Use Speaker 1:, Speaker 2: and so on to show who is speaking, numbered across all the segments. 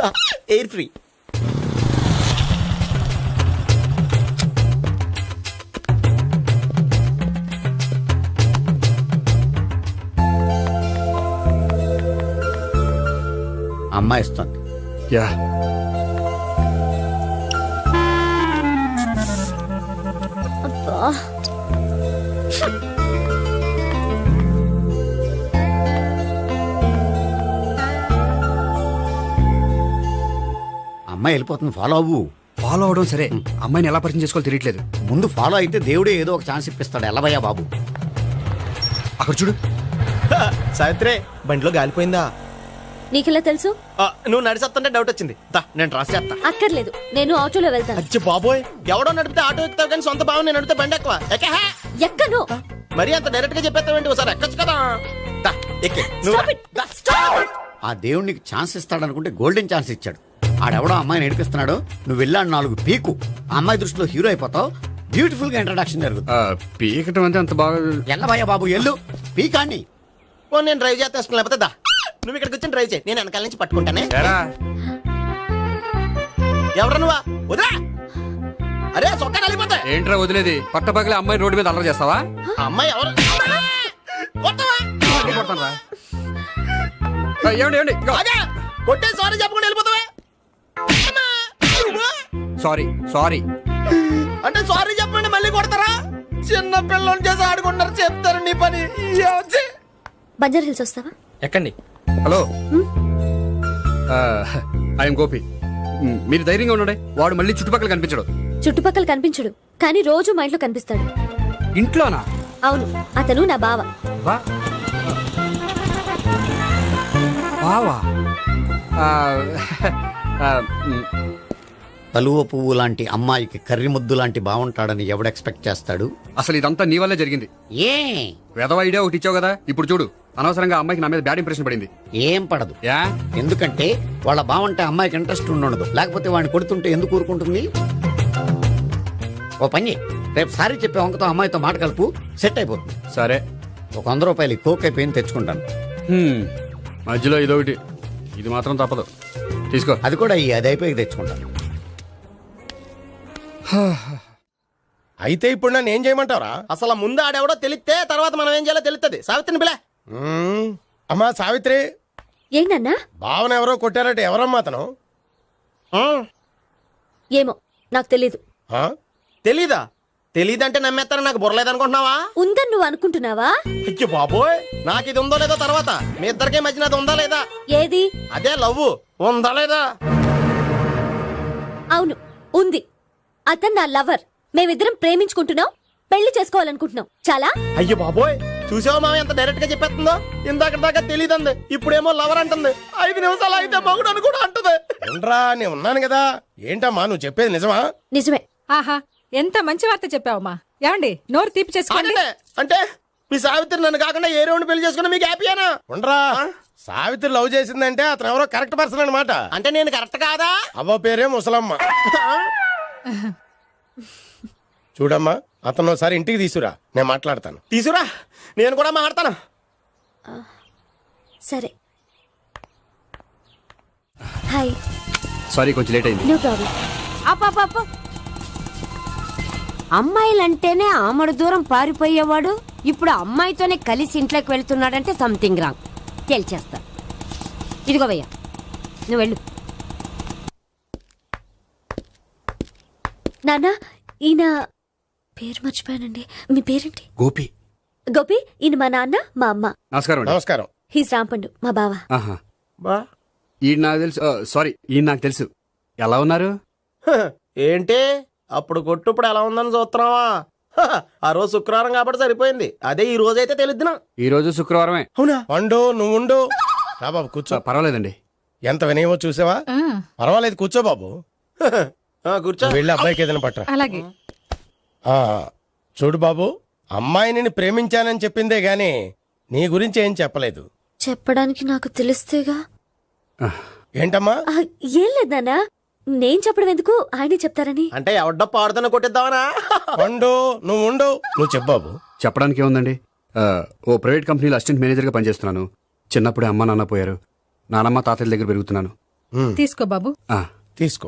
Speaker 1: Air free. అమ్మాయి ఇస్తుంది.
Speaker 2: Yeah
Speaker 3: అబ్బా
Speaker 1: అమ్మాయి వెళ్ళిపోతుంది, ఫాలో అవ్వు.
Speaker 2: ఫాలో అవడం సరే, అమ్మాయిని ఎలా పరిచయం చేసుకోవాలో తెలియట్లేదు.
Speaker 1: ముందు ఫాలో అయితే దేవుడే ఏదో ఒక ఛాన్స్ ఇప్పిస్తాడు. ఎలవయ్యా బాబు.
Speaker 2: అక్కడ చూడు.
Speaker 4: సావిత్రి బండిలో గాలిపోయిందా?
Speaker 3: నీకెలా తెలుసు?
Speaker 4: నువ్వు నడిచేస్తుంటే డౌట్ వచ్చింది. నేను రాసి చేస్తా.
Speaker 3: అక్కర్లేదు, నేను ఆటోలో వెళ్తాను.
Speaker 4: అచ్చి బాబోయ్, ఎవడో నడిపితే ఆటో ఎక్కుతావు కానీ సొంత భావం నేను నడిపితే బండి ఎక్కువ.
Speaker 3: ఎక్కను.
Speaker 4: మరి అంత డైరెక్ట్ గా చెప్పేస్తావేంటి? ఒకసారి ఎక్కొచ్చు కదా. ఎక్కే
Speaker 3: Stop it. Stop.
Speaker 1: ఆ దేవుడికి ఛాన్స్ ఇస్తాడు అనుకుంటే గోల్డెన్ ఛాన్స్ ఇచ్చాడు. ఆడెవడో అమ్మాయిని నడిపిస్తున్నాడు, నువ్వు వెళ్ళాడు 4 పీకు. ఆ అమ్మాయి దృష్టిలో హీరో అయిపోతావు. బ్యూటిఫుల్ గా ఇంట్రడక్షన్ జరుగుతుంది.
Speaker 2: పీకటం అంటే అంత బాగా.
Speaker 1: ఎల్లవయ్యా బాబు ఎల్లు పీకాన్ని.
Speaker 4: నేను డ్రైవ్ చేస్తాను, లేకపోతే దా నువ్వు ఇక్కడికి వచ్చి డ్రైవ్ చేయి, నేను వెనకాల నుంచి పట్టుకుంటానే. ఎవరు నువ్వా? వదిలా. అరే చొక్కా కలిపోతా.
Speaker 2: ఏంట్రా వదిలేది? పట్టపగలే అమ్మాయి రోడ్డు మీద అల్లరి చేస్తావా?
Speaker 4: అమ్మాయి ఎవరు?
Speaker 2: ఏమండి
Speaker 4: కొట్టే సారీ చెప్పకుండా వెళ్ళిపోతావా?
Speaker 2: సారీ సారీ
Speaker 4: అంటే సారీ చెప్పండి మళ్ళీ కొడతారా? చిన్న పిల్లలు చేసి ఆడుకుంటారు, చెప్తారు నీ పని.
Speaker 3: బంజారా హిల్స్ వస్తావా?
Speaker 4: ఎక్కండి.
Speaker 2: Hello, I'm Gopi. మీరు ధైర్యంగా ఉండండి. వాడు మళ్ళీ చుట్టుపక్కల కనిపించడు.
Speaker 3: చుట్టుపక్కల కనిపించడు, కానీ రోజు మా ఇంట్లో కనిపిస్తాడు.
Speaker 2: ఇంట్లోనా?
Speaker 3: అవును, అతను నా బావ.
Speaker 2: బావా?
Speaker 1: కలువ పువ్వు లాంటి అమ్మాయికి కర్రి ముద్దు లాంటి బాగుంటాడని ఎవడు ఎక్స్పెక్ట్ చేస్తాడు?
Speaker 2: అసలు ఇదంతా నీ వల్లే జరిగింది.
Speaker 1: ఏ
Speaker 2: వెధవ ఐడియా ఒకటి ఇచ్చావు కదా, ఇప్పుడు చూడు. అనవసరంగా అమ్మాయికి నా మీద బ్యాడ్ ఇంప్రెషన్ పడింది.
Speaker 1: ఏం పడదు.
Speaker 2: యా?
Speaker 1: ఎందుకంటే వాళ్ళ బాగుంటే అమ్మాయికి ఇంట్రెస్ట్ ఉండదు. లేకపోతే వాడిని కొడుతుంటే ఎందుకు ఊరుకుంటుంది? ఓ పని, రేపు సారీ చెప్పే వంకతో అమ్మాయితో మాట కలుపు, సెట్ అయిపోతుంది.
Speaker 2: సరే,
Speaker 1: ఒక 100 రూపాయలు కోక్ అయిపోయింది, తెచ్చుకుంటాను.
Speaker 2: మధ్యలో ఇదొకటి, ఇది మాత్రం తప్పదు. తీసుకో.
Speaker 1: అది కూడా అది అయిపోయి తెచ్చుకుంటాను.
Speaker 5: అయితే ఇప్పుడు నన్ను ఏం చేయమంటారా?
Speaker 4: అసలు ముందు ఆడెవడో తెలిస్తే తర్వాత మనం ఏం చేయాలో తెలుస్తుంది. సావిత్రిని పిల్ల.
Speaker 5: అమ్మా సావిత్రి,
Speaker 3: ఏంటన్నా?
Speaker 5: భావన ఎవరో కొట్టారట. ఎవరమ్మా అతను?
Speaker 3: ఏమో నాకు తెలీదు.
Speaker 4: తెలీదా? తెలీదంటే నమ్మేస్తారని నాకు బుర్రలేదనుకుంటున్నావా?
Speaker 3: ఉందని నువ్వు అనుకుంటున్నావా?
Speaker 4: అయ్యో బాబోయ్, నాకు ఇది ఉందో లేదో తర్వాత. మీ ఇద్దరికే మధ్యన అది ఉందా లేదా?
Speaker 3: ఏది?
Speaker 4: అదే లవ్ ఉందా లేదా?
Speaker 3: అవును, ఉంది. అతను నా లవర్. మేమిద్దరం ప్రేమించుకుంటున్నాం, పెళ్లి చేసుకోవాలనుకుంటున్నాం. చాలా.
Speaker 4: అయ్యో బాబోయ్, చూసావా మామ ఎంత డైరెక్ట్ గా చెప్పేస్తుందో? ఇందాక దాకా తెలియదండి, ఇప్పుడేమో లవర్ అంటుంది. 5 నిమిషాలు అయితే మగుడు అని కూడా అంటుంది.
Speaker 5: ఏంట్రా, నేను ఉన్నాను కదా. ఏంటమ్మా నువ్వు చెప్పేది నిజమా?
Speaker 3: నిజమే.
Speaker 6: ఆహా, ఎంత మంచి వార్త చెప్పావమ్మా. ఏమండి, నోరు తీపి చేసుకోండి.
Speaker 4: అంటే మీ సావిత్రి నన్ను కాకుండా ఏ రౌండ్ పెళ్లి చేసుకున్నా మీకు హ్యాపీయేనా?
Speaker 5: ఉండరా, సావిత్రి లవ్ చేసిందంటే అతను ఎవరో కరెక్ట్ పర్సన్ అనమాట.
Speaker 4: అంటే నేను కరెక్ట్ కాదా?
Speaker 5: అవ్వ పేరే ముసలమ్మ. చూడమ్మా, అతను ఒకసారి ఇంటికి తీసుకురా, నేను మాట్లాడతాను.
Speaker 4: తీసురా, నేను కూడా మాట్లాడతాను.
Speaker 3: సరే. హాయ్.
Speaker 2: సారీ, కొంచెం లేట్ అయింది.
Speaker 3: No problem.
Speaker 7: అప్ప అమ్మాయిలంటేనే ఆమడు దూరం పారిపోయేవాడు ఇప్పుడు అమ్మాయితోనే కలిసి ఇంట్లోకి వెళ్తున్నాడంటే సంథింగ్ రాంగ్. తేల్చేస్తా. ఇదిగో భయ్యా, నువ్వు వెళ్ళు.
Speaker 3: నాన్న, ఈయన పేరు మర్చిపోయానండి. మీ పేరేంటి?
Speaker 2: గోపి.
Speaker 3: గోపి, ఈయన మా నాన్న, మా అమ్మ.
Speaker 2: నమస్కారం అండి.
Speaker 5: నమస్కారం.
Speaker 3: హీస్ రాంపండు, మా బావ.
Speaker 2: ఆహా,
Speaker 4: బా
Speaker 2: ఈయన నాకు తెలుసు. సారీ, ఈయన నాకు తెలుసు. ఎలా ఉన్నారు?
Speaker 4: ఏంటి అప్పుడు కొట్టు ఇప్పుడు ఎలా ఉందని చూస్తున్నావా? ఆ రోజు శుక్రవారం కాబట్టి సరిపోయింది. అదే ఈ రోజు అయితే తెలుద్దునా.
Speaker 2: ఈ రోజు శుక్రవారమే.
Speaker 4: అవునా?
Speaker 5: పండు నువ్వు ఉండు. రా బాబు కూర్చో.
Speaker 2: పర్వాలేదండి.
Speaker 5: ఎంత వినయమో చూసావా? పర్వాలేదు, కూర్చో బాబు.
Speaker 4: కూర్చో.
Speaker 5: వెళ్ళి అబ్బాయికి ఏదైనా పట్టరా.
Speaker 6: అలాగే.
Speaker 5: చూడు బాబు, అమ్మాయిని ప్రేమించానని చెప్పిందే గాని నీ గురించి ఏం చెప్పలేదు.
Speaker 3: చెప్పడానికి నాకు తెలిస్తేగా.
Speaker 5: ఏంటమ్మా?
Speaker 3: ఏం లేదు నాన్న, నేను చెప్పడం ఎందుకు, ఆయనే చెప్తారని.
Speaker 4: అంటే ఎవడ్డో పాడుతున్నా కొట్టిద్దామనా?
Speaker 5: పండు నువ్వు ఉండు. నువ్వు చెప్పు బాబు.
Speaker 2: చెప్పడానికి ఏముందండి, ఓ ప్రైవేట్ కంపెనీలో అసిస్టెంట్ మేనేజర్గా పనిచేస్తున్నాను. చిన్నప్పుడే అమ్మ నాన్న పోయారు. నానమ్మ తాతయ్య దగ్గర పెరుగుతున్నాను.
Speaker 6: తీసుకో బాబు.
Speaker 2: ఆ,
Speaker 5: తీసుకో.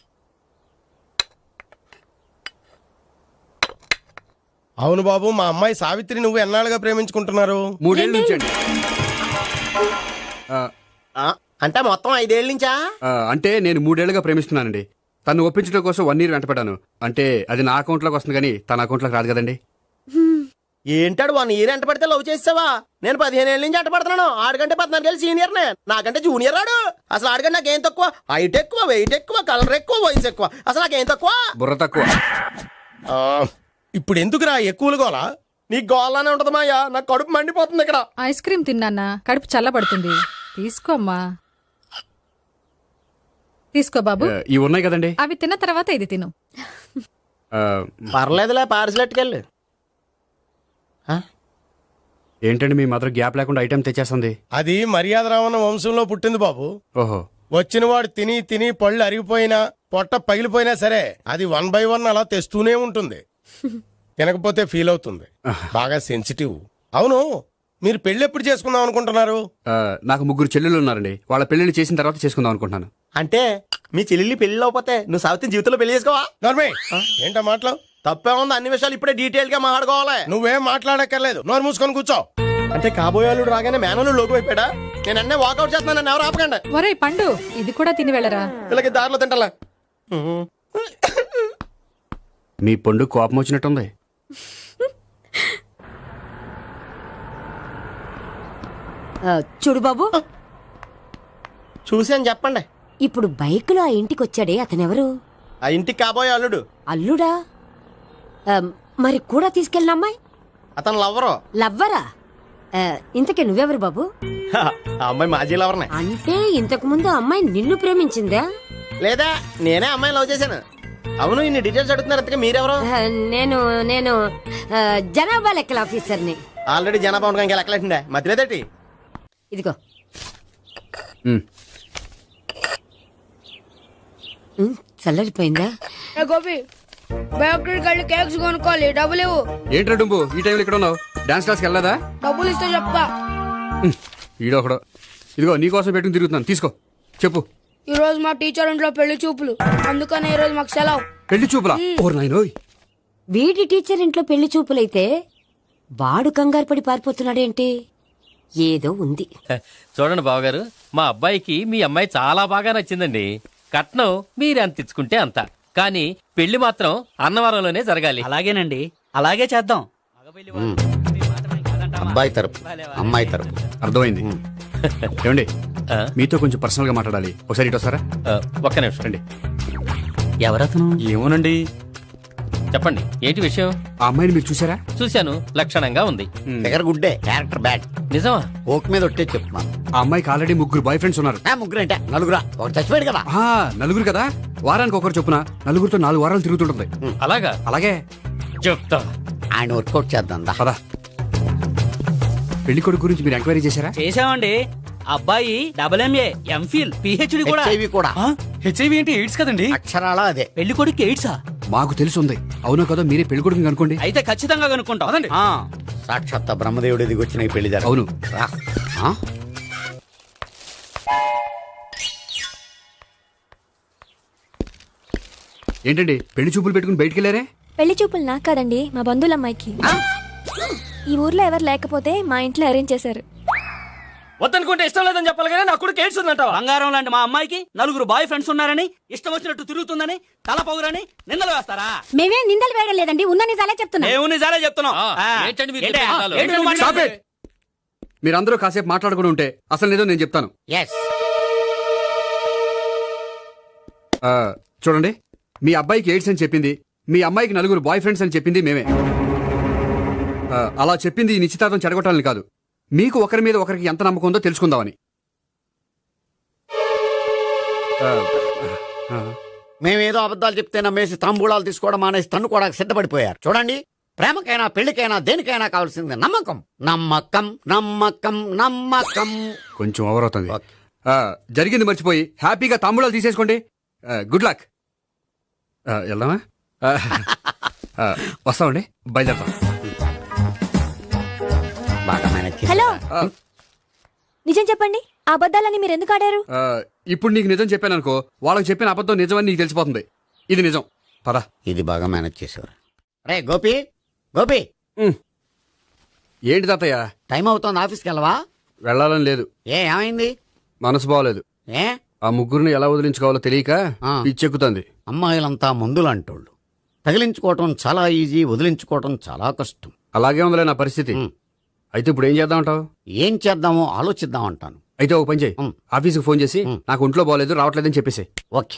Speaker 5: అవును బాబు, మా అమ్మాయి సావిత్రి నువ్వు ఎన్నాళ్ళుగా ప్రేమించుకుంటున్నారు?
Speaker 2: 3 ఏళ్ళ నుంచి అండి.
Speaker 4: ఆ, అంటే మొత్తం 5 ఏళ్ళ నుంచా?
Speaker 2: అంటే నేను 3 ఏళ్ళుగా ప్రేమిస్తున్నానండి. తను ఒప్పించడం కోసం 1 ఇయర్ వెంటపడ్డాను. అంటే అది నా అకౌంట్లోకి వస్తుంది కానీ తన అకౌంట్లోకి రాదు కదండి.
Speaker 4: ఏంటాడు 1 ఇయర్ ఎంట పడితే లవ్ చేసావా? నేను 15 ఏళ్ళ నుంచి ఎంట పడుతున్నాను. ఆడికంటే 14 ఏళ్ళు సీనియర్ నే, నాకంటే జూనియర్ రాడు. అసలు ఆడికంటే నాకేం తక్కువ? హైట్ ఎక్కువ, వెయిట్ ఎక్కువ, కలర్ ఎక్కువ, వయసు ఎక్కువ. అసలు నాకేం తక్కువ?
Speaker 2: బుర్ర తక్కువ.
Speaker 5: ఆ, ఇప్పుడు ఎందుకురా ఎక్కువలు గోలా?
Speaker 4: నీకు గోల్లానే ఉంటది మాయా, నాకు కడుపు మండిపోతుంది ఇక్కడ.
Speaker 6: ఐస్ క్రీమ్ తిన్నానా, కడుపు చల్లబడుతుంది. తీసుకోమ్మా. తీసుకో బాబు.
Speaker 2: ఇవి ఉన్నాయి కదండి.
Speaker 6: అవి తిన్న తర్వాత ఇది తిను.
Speaker 2: ఆ,
Speaker 4: పర్లేదులే, పార్సిల్ ఎట్టుకెళ్ళి.
Speaker 2: ఏంటండి మీ మదర్ గ్యాప్ లేకుండా ఐటెం తెచ్చేస్తుంది?
Speaker 5: అది మర్యాద రావణ వంశంలో పుట్టింది బాబు.
Speaker 2: ఓహో.
Speaker 5: వచ్చినవాడు తిని తిని పళ్ళు అరిగిపోయినా పొట్ట పగిలిపోయినా సరే అది 1 by 1 అలా తెస్తూనే ఉంటుంది. తినకపోతే ఫీల్ అవుతుంది. బాగా సెన్సిటివ్. అవును, మీరు పెళ్లి ఎప్పుడు చేసుకుందాం అనుకుంటున్నారు?
Speaker 2: నాకు 3 చెల్లెళ్ళు ఉన్నారండి. వాళ్ళ పెళ్లిళ్ళు చేసిన తర్వాత చేసుకుందాం అనుకుంటున్నాను.
Speaker 4: అంటే మీ చెల్లెల్ని పెళ్లి లేకపోతే నువ్వు సావిత్రి జీవితంలో పెళ్లి చేసుకోవా?
Speaker 5: నోర్మే, ఏంటా మాటలు?
Speaker 4: తప్పే ఉంది, అన్ని విషయాలు ఇప్పుడే డీటెయిల్ గా మాట్లాడుకోవాలి.
Speaker 5: నువ్వేం మాట్లాడక్కర్లేదు, నోరు మూసుకొని కూర్చో.
Speaker 4: అంటే కాబోయేవాళ్ళు రాగానే మేనలు లోకి అయిపోయాడా? నేను అన్నీ వాకౌట్ చేస్తున్నాను, నన్ను ఎవరు ఆపకండి.
Speaker 6: ఒరేయ్ పండు, ఇది కూడా తిని వెళ్ళరా.
Speaker 4: వీళ్ళకి దారిలో తింటలా.
Speaker 2: మీ పండు కోపం వచ్చినట్టుంది.
Speaker 7: చూడు బాబు,
Speaker 4: చూసి అని చెప్పండి.
Speaker 7: ఇప్పుడు బైక్ లో ఆ ఇంటికి వచ్చాడే అతనెవరు?
Speaker 4: ఆ ఇంటికి కాబోయే అల్లుడు.
Speaker 7: అల్లుడా? మరి కూడా తీసుకెళ్ళిన అమ్మాయి
Speaker 4: అతను లవ్వరు.
Speaker 7: లవ్వరా? ఇంతకీ నువ్వెవరు బాబు?
Speaker 4: ఆ అమ్మాయి మాజీ లవర్నే.
Speaker 7: అంటే ఇంతకు ముందు అమ్మాయి నిన్ను ప్రేమించిందా?
Speaker 4: లేదా నేనే అమ్మాయి లవ్ చేశాను. అవును, ఇన్ని డీటెయిల్స్ అడుగుతున్నారు. ఇంతకీ మీరెవరు?
Speaker 7: నేను నేను జనాభా లెక్కల ఆఫీసర్ని.
Speaker 4: ఆల్రెడీ జనాభా ఉండడానికి లెక్కలేండే మధ్యలేదేటి.
Speaker 7: ఇదిగో.
Speaker 2: ఉమ్.
Speaker 7: చల్లరిపోయిందా?
Speaker 8: గోపి బయోక్రెడిట్ కార్డు కేక్స్ కొనుక్కోవాలి, డబ్బులు ఇవ్వు.
Speaker 2: ఏంట్రా డుంబు ఈ టైంలో ఇక్కడ ఉన్నావు? డాన్స్ క్లాస్కి వెళ్ళదా?
Speaker 8: డబ్బులు ఇస్తే చెప్తా.
Speaker 2: ఈడో ఒకడో. ఇదిగో నీకోసం పెట్టుకుని తిరుగుతున్నాను, తీసుకో. చెప్పు.
Speaker 8: ఈ రోజు మా టీచర్ ఇంట్లో పెళ్లి చూపులు, అందుకనే ఈ రోజు మాకు సెలవు.
Speaker 2: పెళ్లి చూపులా? ఓర్ నాయనోయ్.
Speaker 7: వీడి టీచర్ ఇంట్లో పెళ్లి చూపులైతే వాడు కంగారు పడి పారిపోతున్నాడేంటి? ఏదో ఉంది.
Speaker 9: చూడండి బావగారు, మా అబ్బాయికి మీ అమ్మాయి చాలా బాగా నచ్చిందండి. కట్నం మీరు ఎంత ఇచ్చుకుంటే అంత, కానీ పెళ్లి మాత్రం అన్నవరంలోనే జరగాలి.
Speaker 10: అలాగేనండి, అలాగే చేద్దాం.
Speaker 1: అబ్బాయి తరపు, అమ్మాయి తరపు.
Speaker 2: అర్థమైంది. ఏమండి, మీతో కొంచెం పర్సనల్ గా మాట్లాడాలి. ఒకసారి ఇటు వస్తారా?
Speaker 9: ఒక్క నిమిషం రండి.
Speaker 10: ఎవరతను?
Speaker 2: ఏమోనండి.
Speaker 9: చెప్పండి, ఏంటి విషయం?
Speaker 2: ఆ అమ్మాయిని మీరు చూసారా?
Speaker 9: చూశాను, లక్షణంగా ఉంది.
Speaker 1: ఫిగర్ గుడ్డే, క్యారెక్టర్ బ్యాడ్.
Speaker 9: నిజమా?
Speaker 1: ఓక్ మీద ఒట్టే చెప్తున్నాను.
Speaker 2: ఆ అమ్మాయికి ఆల్రెడీ 3 బాయ్ ఫ్రెండ్స్ ఉన్నారు.
Speaker 1: 3 అంటే 4 ఒకటి చచ్చిపోయాడు కదా.
Speaker 2: 4 కదా, వారానికి ఒకరు చొప్పున 4తో 4 వారాలు తిరుగుతుంటుంది.
Speaker 9: అలాగా?
Speaker 2: అలాగే
Speaker 9: చెప్తా.
Speaker 1: ఆయన వర్కౌట్ చేద్దాం దా.
Speaker 2: పదా. పెళ్లి కొడుకు గురించి మీరు ఎంక్వైరీ చేశారా?
Speaker 10: చేసామండి. అబ్బాయి MA, MPhil, PhD కూడా.
Speaker 1: HIV కూడా.
Speaker 10: హెచ్ఐవి ఏంటి? ఎయిడ్స్ కదండి.
Speaker 1: అక్షరాల అదే.
Speaker 10: పెళ్లి కొడుకు ఎయిడ్సా?
Speaker 2: మాకు తెలుసుంది. అవునో కదా, మీరే పెళ్లి కొడుకుని అనుకోండి.
Speaker 10: అయితే ఖచ్చితంగా కనుక్కుంటాం. అదండి.
Speaker 1: సాక్షాత్ బ్రహ్మదేవుడి దిగి వచ్చిన ఈ పెళ్లి జరగదు.
Speaker 2: అవును.
Speaker 1: రా. ఆ?
Speaker 2: ఏంటండి పెళ్లి చూపులు పెట్టుకుని బయటికి వెళ్ళారే?
Speaker 3: పెళ్లి చూపులు నాకు కాదండి, మా బంధువుల అమ్మాయికి. ఈ ఊర్లో ఎవరు లేకపోతే మా ఇంట్లో అరేంజ్ చేశారు.
Speaker 10: వద్దనుకుంటే ఇష్టం లేదని చెప్పాలి కానీ నా కొడుకు ఎయిడ్స్ ఉందంటావా? బంగారం లాంటి మా అమ్మాయికి 4 బాయ్ ఫ్రెండ్స్ ఉన్నారని, ఇష్టం వచ్చినట్టు తిరుగుతుందని, తల పొగరని నిందలు వేస్తారా?
Speaker 7: మేమే నిందలు వేయడం లేదండి, ఉన్న నిజాలే చెప్తున్నా.
Speaker 10: మేము నిజాలే చెప్తున్నాం.
Speaker 9: ఏంటండి మీరు
Speaker 10: ఏంటి?
Speaker 9: చెప్పే నిజాలు?
Speaker 10: ఏంటి నువ్వు
Speaker 2: Stop
Speaker 10: మాట్లాడేది?
Speaker 2: it! మీరందరూ కాసేపు మాట్లాడుకుని ఉంటే అసలు నిజం నేను చెప్తాను.
Speaker 1: Yes.
Speaker 2: చూడండి, మీ అబ్బాయికి ఎయిడ్స్ అని చెప్పింది, మీ అమ్మాయికి 4 బాయ్ ఫ్రెండ్స్ అని చెప్పింది మేమే. అలా చెప్పింది ఈ నిశ్చితార్థం చెడగొట్టాలని కాదు, మీకు ఒకరి మీద ఒకరికి ఎంత నమ్మకం ఉందో తెలుసుకుందామని.
Speaker 1: మేమేదో అబద్ధాలు చెప్తే నమ్మేసి తాంబూలాలు తీసుకోవడం మానేసి తన్నుకోవడానికి సిద్ధపడిపోయారు. చూడండి, ప్రేమకైనా పెళ్లికైనా దేనికైనా కావాల్సింది నమ్మకం. నమ్మకం నమ్మకం నమ్మకం.
Speaker 2: కొంచెం ఓవర్ అవుతుంది. జరిగింది మర్చిపోయి హ్యాపీగా తాంబూలాలు తీసేసుకోండి. Good luck. వెళ్దామా? వస్తామండి, బయలుదేరతాం.
Speaker 1: బాగా మేనేజ్ చేశారు.
Speaker 3: హలో, నిజం చెప్పండి, ఆ అబద్ధాలని మీరు ఎందుకు ఆడారు?
Speaker 2: ఇప్పుడు నీకు నిజం చెప్పాను అనుకో, వాళ్ళకి చెప్పిన అబద్ధం నిజమని నీకు తెలిసిపోతుంది. ఇది నిజం. పద.
Speaker 1: ఇది బాగా మేనేజ్ చేసేవారు. రే గోపి, గోపి,
Speaker 2: ఏంటి తాతయ్య?
Speaker 1: టైం అవుతోంది, ఆఫీస్కి వెళ్ళవా?
Speaker 2: వెళ్ళాలని లేదు.
Speaker 1: ఏమైంది?
Speaker 2: మనసు బాగోలేదు.
Speaker 1: ఏ
Speaker 2: ఆ ముగ్గురిని ఎలా వదిలించుకోవాలో తెలియక
Speaker 1: ఆ.
Speaker 2: పిచ్చెక్కుతుంది.
Speaker 1: అమ్మాయిలంతా మందులంటోళ్ళు. తగిలించుకోవటం చాలా ఈజీ, వదిలించుకోవటం చాలా కష్టం.
Speaker 2: అలాగే ఉందిలే నా పరిస్థితి. అయితే ఇప్పుడు ఏం చేద్దామంటావు?
Speaker 1: ఏం చేద్దామో ఆలోచిద్దాం అంటాను.
Speaker 2: అయితే ఒక పని చేయి, ఆఫీస్కి ఫోన్ చేసి నాకు ఒంట్లో బాగోలేదు రావట్లేదని చెప్పేసి.
Speaker 1: ఓకే.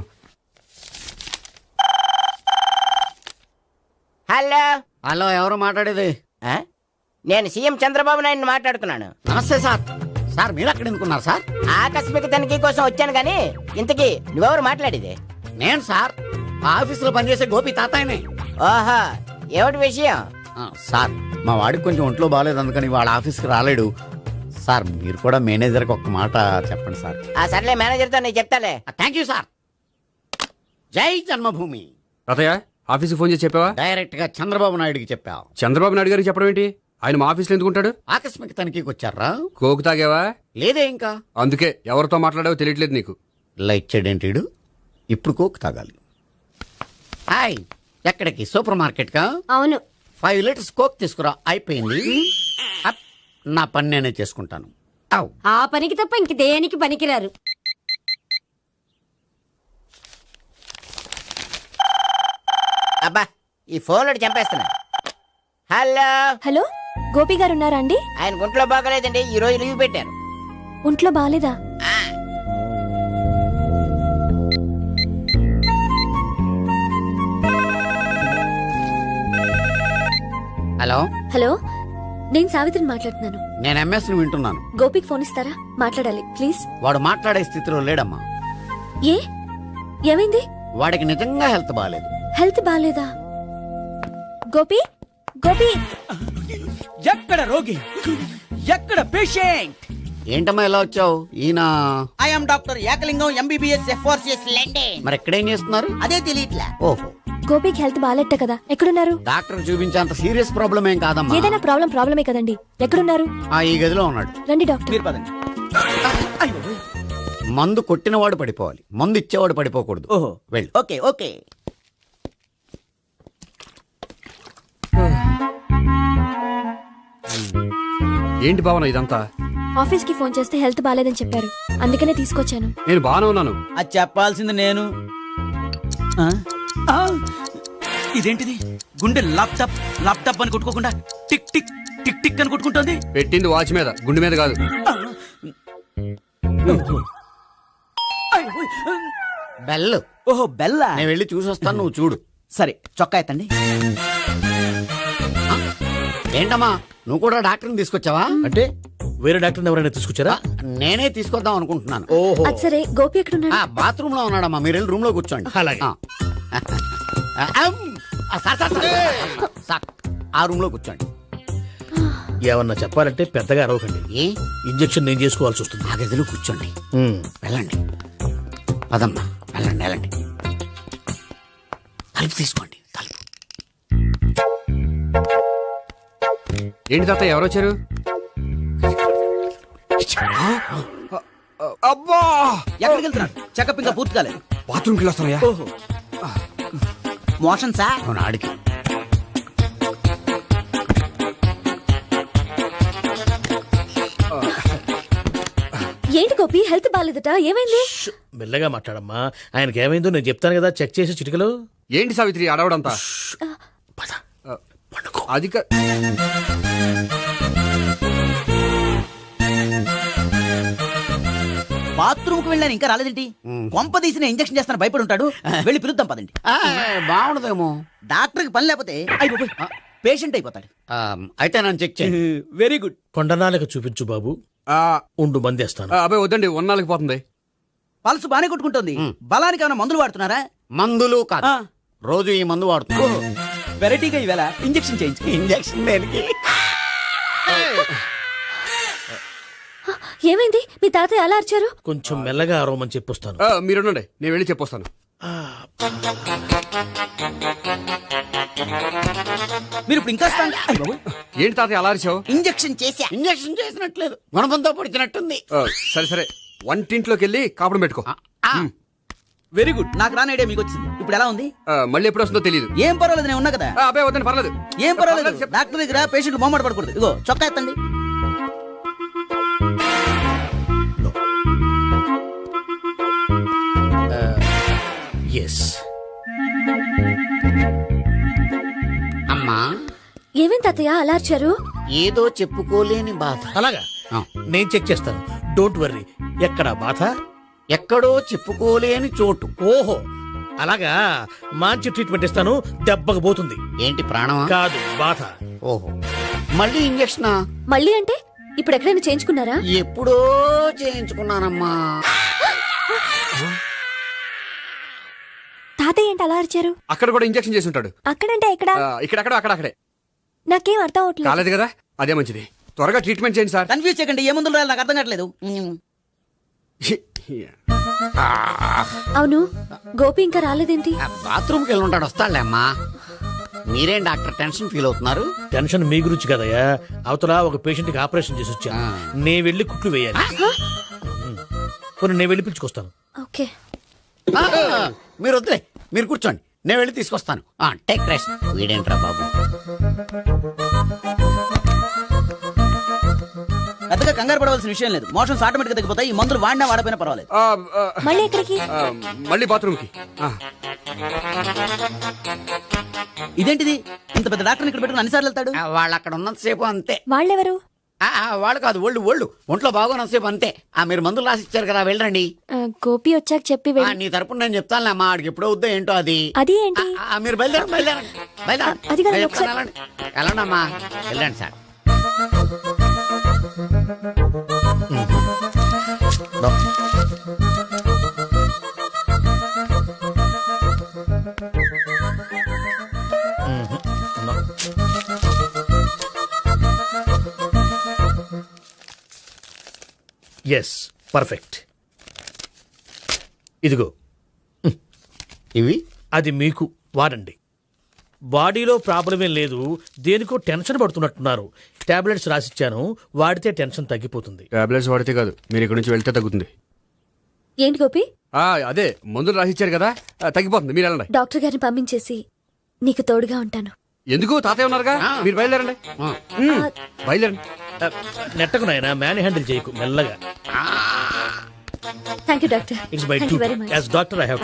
Speaker 4: హలో,
Speaker 1: హలో, ఎవరు మాట్లాడేది?
Speaker 4: నేను సీఎం చంద్రబాబు నాయుడు మాట్లాడుతున్నాను.
Speaker 1: నమస్తే సార్. సార్ మీరు అక్కడ ఎందుకున్నారు సార్?
Speaker 4: ఆకస్మిక తనిఖీ కోసం వచ్చాను గానీ ఇంతకీ నువ్వెవరు మాట్లాడేది?
Speaker 1: నేను సార్ ఆఫీసులో పనిచేసే గోపి తాతాయనే.
Speaker 4: ఓహో, ఏమిటి విషయం?
Speaker 1: సార్ మా వాడికి కొంచెం ఒంట్లో బాగాలేదు, అందుకని వాళ్ళ ఆఫీస్కి రాలేడు. సార్ మీరు కూడా మేనేజర్కి ఒక్క మాట చెప్పండి సార్.
Speaker 4: ఆ సర్లే, మేనేజర్తో నేను చెప్తాలే.
Speaker 1: Thank you sir. జై జన్మభూమి.
Speaker 2: తాతయ్య ఆఫీస్కి ఫోన్ చేసి చెప్పావా?
Speaker 1: డైరెక్ట్ గా చంద్రబాబు నాయుడుకి చెప్పావు.
Speaker 2: చంద్రబాబు నాయుడు గారికి చెప్పడం ఏంటి? ఆయన మా ఆఫీస్లో ఎందుకుంటాడు?
Speaker 1: ఆకస్మిక తనిఖీకి వచ్చారా?
Speaker 2: కోకు తాగావా?
Speaker 1: లేదే ఇంకా.
Speaker 2: అందుకే ఎవరితో మాట్లాడావో తెలియట్లేదు నీకు.
Speaker 1: లైట్ చేయడేంటిడు? ఇప్పుడు కోక్ తాగాలి. హాయ్, ఎక్కడికి? సూపర్ మార్కెట్ కా?
Speaker 7: అవును.
Speaker 1: 5 లీటర్స్ కోక్ తీసుకురా. అయిపోయింది. అప్, నా పని నేనే చేసుకుంటాను. ఔ.
Speaker 7: ఆ పనికి తప్ప ఇంక దేనికి పనికిరారు.
Speaker 4: అబ్బా, ఈ ఫోన్ చంపేస్తున్నా. హలో.
Speaker 3: హలో, గోపి గారు ఉన్నారా అండి?
Speaker 4: ఆయన గుంట్లో బాగలేదండి, ఈ రోజు లీవ్ పెట్టారు.
Speaker 3: ఒంట్లో బాగాలేదా?
Speaker 1: హలో.
Speaker 3: హలో, నేను సావిత్రిని మాట్లాడుతున్నాను.
Speaker 1: నేను ఎంఎస్ని వింటున్నాను.
Speaker 3: గోపికి ఫోన్ ఇస్తారా? మాట్లాడాలి ప్లీజ్.
Speaker 1: వాడు మాట్లాడే స్థితిలో లేడమ్మా.
Speaker 3: ఏ ఏమైంది?
Speaker 1: వాడికి నిజంగా హెల్త్ బాగాలేదు.
Speaker 3: హెల్త్ బాగాలేదా? గోపి, గోపి.
Speaker 10: ఎక్కడ రోగి, ఎక్కడ పేషెంట్?
Speaker 1: ఏంటమ్మా ఇలా వచ్చావు? ఈయన
Speaker 4: I'm doctor Ekalingam MBBS FRCS London.
Speaker 1: మరి ఎక్కడేం చేస్తున్నారు?
Speaker 4: అదే తెలియట్లా.
Speaker 1: ఓహో,
Speaker 3: గోపికి హెల్త్ బాగాలెట్ట కదా, ఎక్కడున్నారు?
Speaker 1: డాక్టర్ చూపించేంత సీరియస్ ప్రాబ్లం ఏం కాదమ్మా.
Speaker 3: ఏదైనా ప్రాబ్లమే కదండి. ఎక్కడున్నారు?
Speaker 1: ఈ గదిలో ఉన్నాడు.
Speaker 3: రండి డాక్టర్.
Speaker 10: మీరు పదండి.
Speaker 1: మందు కొట్టినవాడు పడిపోవాలి, మందు ఇచ్చేవాడు పడిపోకూడదు.
Speaker 10: ఓహో,
Speaker 1: వెళ్ళు.
Speaker 10: Okay okay.
Speaker 2: ఏంటి భావన ఇదంతా?
Speaker 3: ఆఫీస్ కి ఫోన్ చేస్తే హెల్త్ బాగాలేదని చెప్పారు, అందుకనే తీసుకొచ్చాను.
Speaker 2: నేను బాగానే ఉన్నాను.
Speaker 10: అది చెప్పాల్సింది నేను. ఆ? ఆ! ఇదేంటిది? గుండె లాప్టాప్ లాప్టాప్ అని కొట్టుకోకుండా టిక్ టిక్ టిక్ టిక్ అని కొట్టుకుంటుంది.
Speaker 2: పెట్టింది వాచ్ మీద, గుండె మీద కాదు.
Speaker 1: బెల్.
Speaker 10: ఓహో, బెల్లా.
Speaker 1: నేను వెళ్ళి చూసొస్తాను, నువ్వు చూడు.
Speaker 10: సరే, చొక్కా ఎత్తండి.
Speaker 1: ఏంటమ్మా, నువ్వు కూడా డాక్టర్ని తీసుకొచ్చావా?
Speaker 5: అంటే వేరే డాక్టర్ ఎవరైనా తీసుకొచ్చారా?
Speaker 1: నేనే తీసుకొద్దాం అనుకుంటున్నాను.
Speaker 5: ఓహో,
Speaker 3: అది సరే, గోపి ఎక్కడున్నాడు?
Speaker 1: బాత్రూమ్ లో ఉన్నాడమ్మా, మీరు వెళ్ళి రూమ్ లో కూర్చోండి.
Speaker 5: అలాగే.
Speaker 1: సార్, ఆ రూమ్ లో కూర్చోండి.
Speaker 5: ఏమన్నా చెప్పాలంటే పెద్దగా అరవకండి.
Speaker 1: ఏ
Speaker 5: ఇంజెక్షన్ నేను చేసుకోవాల్సి వస్తుంది.
Speaker 1: ఆ గదిలో కూర్చోండి. వెళ్ళండి, పదమ్మా, వెళ్ళండి వెళ్ళండి. తలుపు తీసుకోండి, తలుపు.
Speaker 2: ఏంటి తాత ఎవరు వచ్చారు? అబ్బా,
Speaker 10: ఎక్కడికి వెళ్తున్నాడు? చెకప్ ఇంకా పూర్తి కాలేదు.
Speaker 2: బాత్రూమ్కి వెళ్ళొస్తానయ్యా.
Speaker 10: ఓహో, మోషన్ సార్.
Speaker 1: అవును, ఆడికి.
Speaker 3: ఏంటి గోపి, హెల్త్ బాగాలేదట, ఏమైంది?
Speaker 5: మెల్లగా మాట్లాడమ్మా. ఆయనకి ఏమైందో నేను చెప్తాను కదా, చెక్ చేసి చిటికలు.
Speaker 2: ఏంటి సావిత్రి అడవడంతా?
Speaker 5: పద.
Speaker 2: అది
Speaker 10: బాత్రూమ్ కు వెళ్ళాను, ఇంకా రాలేదేంటి? కొంప తీసిన ఇంజక్షన్ చేస్తాను భయపడి ఉంటాడు. వెళ్ళి పిలుద్దాం పదండి.
Speaker 1: బాగుండదేమో.
Speaker 10: డాక్టర్ కి పని లేకపోతే అయిపోయి పేషెంట్ అయిపోతాడు.
Speaker 1: అయితే నన్ను చెక్ చేయండి.
Speaker 10: Very good.
Speaker 5: కొండనాలకు చూపించు బాబు. ఉండు, మందేస్తాను.
Speaker 2: అబ్బాయి వద్దండి, ఉన్నాళ్ళకి పోతుంది.
Speaker 10: పల్స్ బానే కొట్టుకుంటుంది. బలానికి ఏమైనా మందులు వాడుతున్నారా?
Speaker 1: మందులు కాదు, రోజు ఈ మందు వాడుతున్నాను.
Speaker 10: వెరైటీగా ఈవేళ ఇంజక్షన్ చేయించు.
Speaker 1: ఇంజక్షన్ దేనికి?
Speaker 3: ఏమైంది? మీ తాతయ్య అలా అరిచారు?
Speaker 5: కొంచెం మెల్లగా అరవమని చెప్పొస్తాను.
Speaker 2: మీరుండండి, నేను వెళ్ళి చెప్పొస్తాను.
Speaker 10: మీరు ఇప్పుడు ఇంకా strong- అయ్ బాబోయ్.
Speaker 2: ఏంటి తాతయ్య అలా అరిచావు?
Speaker 10: ఇంజెక్షన్ చేశా.
Speaker 1: ఇంజక్షన్ చేసినట్లేదు గుణపంతో పొడిచినట్టుంది.
Speaker 2: సరే సరే వంటింట్లోకి వెళ్ళి కాపుడు పెట్టుకో.
Speaker 1: ఆ,
Speaker 10: వెరీ గుడ్. నాకు రాని ఐడియా మీకు వచ్చింది. ఇప్పుడు ఎలా ఉంది?
Speaker 2: మళ్ళీ ఎప్పుడు వస్తుందో తెలియదు.
Speaker 10: ఏం పర్వాలేదు, నేను ఉన్నా కదా.
Speaker 2: అబ్బాయి వద్దని పర్లేదు.
Speaker 10: ఏం పర్వాలేదు.
Speaker 2: చెప్పు.
Speaker 10: డాక్టర్ దగ్గర పేషెంట్ మొహమాట పడకూడదు. ఇగో చొక్కా ఎత్తండి.
Speaker 5: ఎస్.
Speaker 1: అమ్మా
Speaker 3: ఏమేం తాతయ్య అలార్చారు?
Speaker 1: ఏదో చెప్పుకోలేని బాధ.
Speaker 5: అలాగా
Speaker 1: ఆ.
Speaker 5: నేను చెక్ చేస్తాను. Don't worry. ఎక్కడ బాధ?
Speaker 1: ఎక్కడో చెప్పుకోలేని చోటు.
Speaker 5: ఓహో అలాగా. మంచి ట్రీట్మెంట్ ఇస్తాను. దెబ్బకు పోతుంది.
Speaker 1: ఏంటి ప్రాణమా?
Speaker 5: కాదు బాధ.
Speaker 1: ఓహో మళ్ళీ ఇంజక్షనా?
Speaker 3: మళ్ళీ అంటే ఇప్పుడు ఎక్కడైనా చేయించుకున్నారా?
Speaker 1: ఎప్పుడో చేయించుకున్నానమ్మా.
Speaker 3: తాతయ్య ఏంటి అలార్చారు?
Speaker 2: అక్కడ కూడా ఇంజెక్షన్ చేసి ఉంటాడు.
Speaker 3: అక్కడంటే ఎక్కడ?
Speaker 2: ఇక్కడక్కడ అక్కడక్కడే.
Speaker 3: నాకేం అర్థం అవట్లేదు.
Speaker 2: కాలేదు కదా, అదే మంచిది. త్వరగా ట్రీట్మెంట్ చేయండి సార్.
Speaker 10: కన్ఫ్యూజ్ చేయకండి. ఏ మందులు రాయాలి నాకు అర్థం కావట్లేదు.
Speaker 3: అవును గోపి ఇంకా రాలేదేంటి?
Speaker 1: బాత్రూమ్కి వెళ్ళి ఉంటాడు, వస్తాడులే అమ్మా. మీరేం డాక్టర్ టెన్షన్ ఫీల్ అవుతున్నారు?
Speaker 5: టెన్షన్ మీ గురించి కదయ్యా. అవతల ఒక పేషెంట్ కి ఆపరేషన్ చేసి వచ్చాను. నేను వెళ్ళి కుట్లు వేయాలి. కొన్ని నేను వెళ్ళి పిలుచుకొస్తాను.
Speaker 3: ఓకే.
Speaker 1: ఆ, మీరు వద్దులే, మీరు కూర్చోండి, నేను వెళ్ళి తీసుకొస్తాను. Take rest. వీడేంట్రా బాబు?
Speaker 10: పెద్దగా కంగారు పడవలసిన విషయం లేదు. మోషన్స్ ఆటోమేటిక్ గా తగ్గిపోతాయి. ఈ మందులు వాడినా వాడపోయినా పర్వాలేదు.
Speaker 3: మళ్ళీ ఎక్కడికి?
Speaker 2: మళ్ళీ బాత్రూమ్కి.
Speaker 10: ఇదేంటిది? ఇంత పెద్ద డాక్టర్ ఇక్కడ పెట్టుకుని అన్నిసార్లు వెళ్తాడు.
Speaker 1: వాళ్ళు అక్కడ ఉన్నంతసేపు అంతే.
Speaker 3: వాళ్ళెవరు?
Speaker 1: వాళ్ళు కాదు, ఒంట్లో బాగోనంతసేపు అంతే. మీరు మందులు రాసి ఇచ్చారు కదా, వెళ్ళండి.
Speaker 3: గోపి వచ్చాక చెప్పి
Speaker 1: నీ తరపున నేను చెప్తానులే అమ్మా. ఆడికి ఎప్పుడో వద్దో ఏంటో అది.
Speaker 3: అది ఏంటి?
Speaker 1: మీరు బయలుదేరండి.
Speaker 3: అది కాదు, ఒకసారి-
Speaker 1: వెళ్ళండి అమ్మా, వెళ్ళండి సార్.
Speaker 5: Yes perfect. ఇదిగో
Speaker 1: ఇవి
Speaker 5: అది మీకు వాడండి. బాడీలో ప్రాబ్లం ఏం లేదు. దేనికో టెన్షన్ పడుతున్నట్టున్నారు. టాబ్లెట్స్ రాసిచ్చాను, వాడితే టెన్షన్ తగ్గిపోతుంది.
Speaker 2: టాబ్లెట్స్ వాడితే కాదు, మీరు ఇక్కడ నుంచి వెళ్తే తగ్గుతుంది.
Speaker 3: ఏంటి గోపి?
Speaker 2: అదే మందులు రాసిచ్చారు కదా, తగ్గిపోతుంది. మీరు వెళ్ళండి.
Speaker 3: డాక్టర్ గారిని పంపించేసి నీకు తోడుగా ఉంటాను.
Speaker 2: ఎందుకు? తాతయ్య ఉన్నారుగా, మీరు బయలుదేరండి. బయలుదేరండి.
Speaker 5: నెట్టకు నాయనా, మ్యాన్ హ్యాండిల్ చేయకు, మెల్లగా.
Speaker 3: Thank you doctor.
Speaker 5: It's my
Speaker 3: thank you very much.
Speaker 5: As doctor I have to.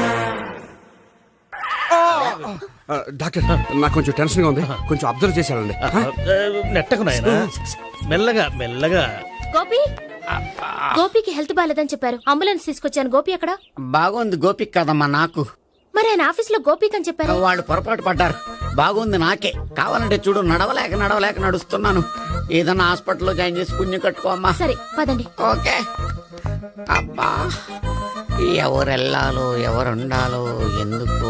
Speaker 2: Doctor, నాకు కొంచెం టెన్షన్ గా ఉంది, కొంచెం అబ్జర్వ్ చేశానండి.
Speaker 5: నెట్టకు నాయనా, మెల్లగా మెల్లగా.
Speaker 3: గోపి, గోపికి హెల్త్ బాలేదని చెప్పారు. అంబులెన్స్ తీసుకొచ్చాను. గోపి ఎక్కడ?
Speaker 1: బాగుంది గోపిక్ కదమ్మా నాకు.
Speaker 3: మరి ఆయన ఆఫీస్ లో గోపిక్ అని చెప్పారు.
Speaker 1: వాళ్ళు పొరపాటు పడ్డారు. బాగుంది నాకే. కావాలంటే చూడు, నడవలేక నడుస్తున్నాను. ఏదన్నా హాస్పిటల్లో జాయిన్ చేసి పుణ్యం కట్టుకో అమ్మా.
Speaker 3: సరే పదండి.
Speaker 1: ఓకే. అబ్బా, ఎవరెళ్ళాలో ఎవరుండాలో ఎందుకు?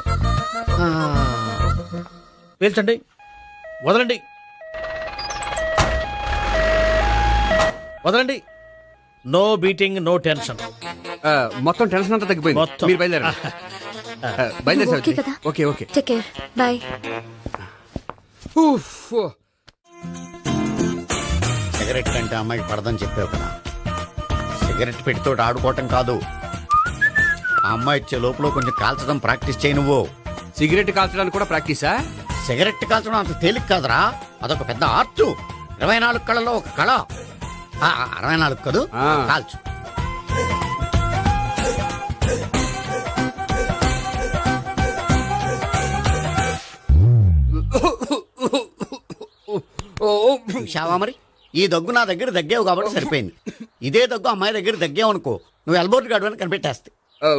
Speaker 5: పేల్చండి, వదలండి, వదలండి. No beating, no tension.
Speaker 2: మొత్తం టెన్షన్ అంతా తగ్గిపోయింది.
Speaker 5: మొత్తం.
Speaker 2: మీరు బయలుదేరండి. బయలుదేరి
Speaker 3: ఓకే కదా?
Speaker 2: Okay okay.
Speaker 3: Take care. Bye.
Speaker 1: Cigarette కంటే అమ్మాయికి పడదని చెప్పావు కదా. సిగరెట్ పెట్టితో ఆడుకోవటం కాదు, ఆ అమ్మాయి ఇచ్చే లోపల కొంచెం కాల్చడం ప్రాక్టీస్ చేయి నువ్వు.
Speaker 2: సిగరెట్ కాల్చడానికి కూడా ప్రాక్టీసా?
Speaker 1: సిగరెట్ కాల్చడం అంత తేలిక కాదురా, అదొక పెద్ద ఆర్ట్. 24 కళలో ఒక కళ. 64 కదూ, కాల్చు. చూశావా మరి, ఈ దగ్గు నా దగ్గర దగ్గేవు కాబట్టి సరిపోయింది. ఇదే దగ్గు అమ్మాయి దగ్గర దగ్గేవు అనుకో, నువ్వు ఎల్బోర్డ్ గాడు అని కనిపెట్టేస్తే.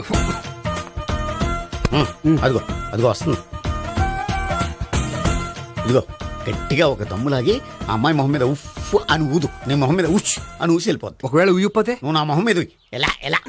Speaker 1: అదిగో అదిగో వస్తుంది. ఇదిగో గట్టిగా ఒక దమ్ములాగి ఆ అమ్మాయి మొహం మీద ఉఫ్ అని ఊదు. నీ మొహం మీద ఉచ్ అని ఊసి వెళ్ళిపోద్ది.
Speaker 2: ఒకవేళ ఊయకపోతే
Speaker 1: నువ్వు నా మొహం మీద ఎలా ఎలా.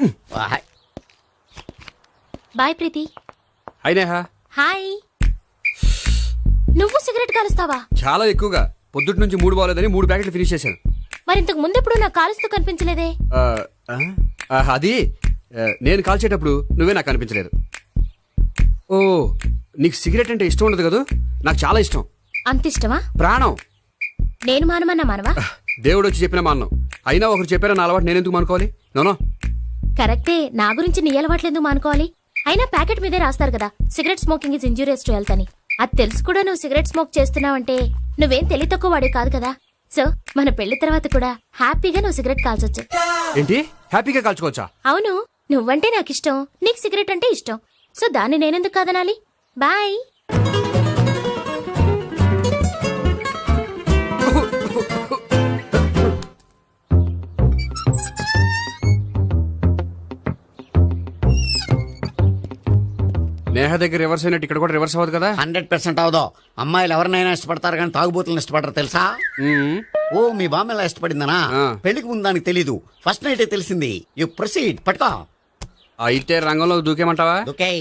Speaker 3: బాయ్ ప్రీతి.
Speaker 2: అయినా
Speaker 3: హాయ్. నువ్వు సిగరెట్ కాలుస్తావా?
Speaker 2: చాలా ఎక్కువగా. పొద్దుటి నుంచి 3 బాలేదని 3 ప్యాకెట్లు ఫినిష్ చేశాను.
Speaker 3: మరి ఇంతకు ముందు ఎప్పుడు నాకు కాలుస్తూ కనిపించలేదే?
Speaker 2: అది నేను కాల్చేటప్పుడు నువ్వే నాకు కనిపించలేదు. ఓ, నీకు సిగరెట్ అంటే ఇష్టం ఉండదు కదా? నాకు చాలా ఇష్టం,
Speaker 3: అంత ఇష్టమా?
Speaker 2: ప్రాణం.
Speaker 3: నేను మానమన్నా మానవా?
Speaker 2: దేవుడు వచ్చి చెప్పిన మాన్నం. అయినా ఒకరు చెప్పారా నా అలవాటు నేనెందుకు మానుకోవాలి? నోనో.
Speaker 3: కరెక్టే, నా గురించి నీ అలవాట్లెందుకు మానుకోవాలి? అయినా ప్యాకెట్ మీదే రాస్తారు కదా, cigarette smoking is injurious to health అని. అది తెలుసు కూడా నువ్వు సిగరెట్ స్మోక్ చేస్తున్నావంటే నువ్వేం తెలివి తక్కువ వాడే కాదు కదా. సో మన పెళ్లి తర్వాత కూడా హ్యాపీగా నువ్వు సిగరెట్ కాల్చొచ్చు.
Speaker 2: ఏంటి, హ్యాపీగా కాల్చుకోవచ్చా?
Speaker 3: అవును, నువ్వంటే నాకు ఇష్టం, నీకు సిగరెట్ అంటే ఇష్టం. సో దాన్ని నేనెందుకు కాదనాలి? బాయ్.
Speaker 2: నేహ దగ్గర రివర్స్ అయినట్టు ఇక్కడ కూడా రివర్స్ అవ్వదు కదా?
Speaker 1: 100% అవదో. అమ్మాయిలు ఎవరినైనా ఇష్టపడతారు కానీ తాగుబోతులను ఇష్టపడరు తెలుసా? ఓ, మీ బామ్మ ఎలా ఇష్టపడిందనా? పెళ్లికి ముందు దానికి తెలీదు, ఫస్ట్ నైటే తెలిసింది. You proceed. పట్టుకో.
Speaker 2: అయితే రంగంలో దూకేమంటావా?
Speaker 1: ఓకే.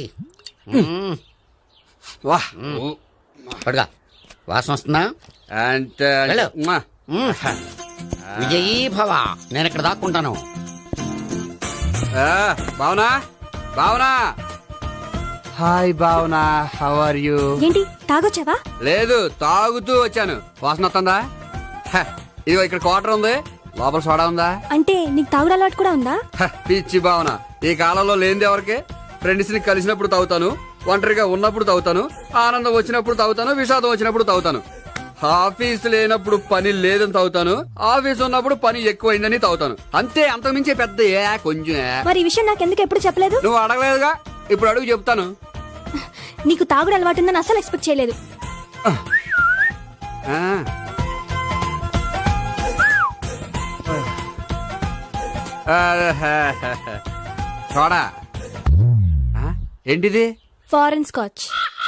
Speaker 2: వాహ్,
Speaker 1: పట్టుకో. వాసన వస్తుందా?
Speaker 2: అంటే
Speaker 1: వెళ్ళు. విజయీ భవ. నేను ఇక్కడ దాక్కుంటాను.
Speaker 2: Bhavana, Bhavana. Hi Bhavana, how are you?
Speaker 3: ఏంటి తాగొచ్చావా?
Speaker 2: లేదు, తాగుతూ వచ్చాను. వాసన వస్తుందా? ఇదిగో ఇక్కడ క్వార్టర్ ఉంది, లోపల సోడా ఉందా?
Speaker 3: అంటే నీకు తాగుడు అలవాటు కూడా ఉందా?
Speaker 2: పిచ్చి భావన, ఈ కాలంలో లేనిది ఎవరికి? ఫ్రెండ్స్ ని కలిసినప్పుడు తాగుతాను, ఒంటరిగా ఉన్నప్పుడు తాగుతాను, ఆనందం వచ్చినప్పుడు తాగుతాను, విషాదం వచ్చినప్పుడు తాగుతాను. ఆఫీస్ లేనప్పుడు పని లేదని తాగుతాను, ఆఫీస్ ఉన్నప్పుడు పని ఎక్కువైందని తాగుతాను. అంతే, అంతకుమించే పెద్ద కొంచెం.
Speaker 3: మరి ఈ విషయం నాకెందుకు ఎప్పుడు చెప్పలేదు?
Speaker 2: నువ్వు అడగలేదుగా, ఇప్పుడు అడుగు చెప్తాను.
Speaker 3: నీకు తాగుడు అలవాటు ఉందని అసలు ఎక్స్పెక్ట్ చేయలేదు.
Speaker 2: చూడా, ఏంటిది?
Speaker 3: Foreign scotch.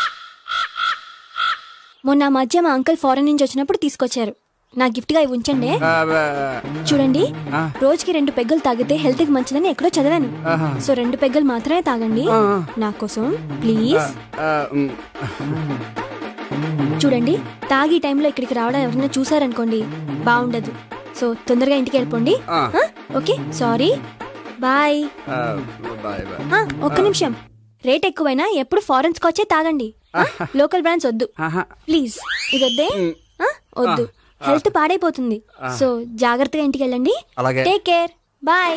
Speaker 3: మొన్న మధ్య మా అంకుల్ ఫారెన్ నుంచి వచ్చినప్పుడు తీసుకొచ్చారు. నా గిఫ్ట్ గా ఇవి ఉంచండి. చూడండి, రోజుకి 2 పెగ్గులు తాగితే హెల్త్ కి మంచిదని ఎక్కడో చదివాను. సో 2 పెగ్గులు మాత్రమే తాగండి నా కోసం ప్లీజ్. చూడండి, తాగి టైంలో ఇక్కడికి రావడం ఎవరైనా చూసారనుకోండి బాగుండదు. సో తొందరగా ఇంటికి వెళ్ళిపోండి. Okay, sorry, bye. ఒక్క నిమిషం, రేట్ ఎక్కువైనా ఎప్పుడు ఫారెన్ స్కాచే తాగండి. లోకల్ బ్రాండ్స్ వద్దు ప్లీజ్. ఇది వద్దే, వద్దు, హెల్త్ పాడైపోతుంది. సో జాగ్రత్తగా ఇంటికి వెళ్ళండి. Take care, bye.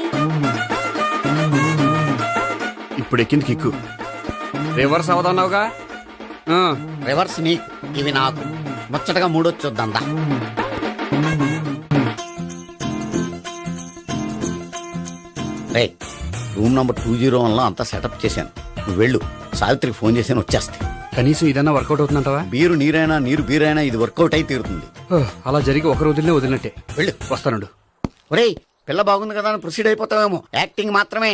Speaker 2: ఇప్పుడు ఎక్కింది కిక్కు. రివర్స్ అవదన్నావుగా?
Speaker 1: రివర్స్ నీకు, ఇవి నాకు. ముచ్చటగా మూడొచ్చొద్దా? రే, రూమ్ నంబర్ 201 లో అంతా సెటప్ చేశాను. నువ్వు వెళ్ళు, సావిత్రికి ఫోన్ చేశాను, వచ్చేస్తే.
Speaker 2: కనీసం ఇదన్నా వర్కౌట్ అవుతుందంటావా?
Speaker 1: బీరు నీరైనా, నీరు బీరైనా ఇది వర్కౌట్ అయి తీరుతుంది.
Speaker 2: అలా జరిగి ఒక రోజులనే వదిలినట్టే.
Speaker 1: వెళ్ళు.
Speaker 2: వస్తానుండు.
Speaker 1: ఒరేయ్, పిల్ల బాగుంది కదా అని ప్రొసీడ్ అయిపోతావేమో. యాక్టింగ్ మాత్రమే.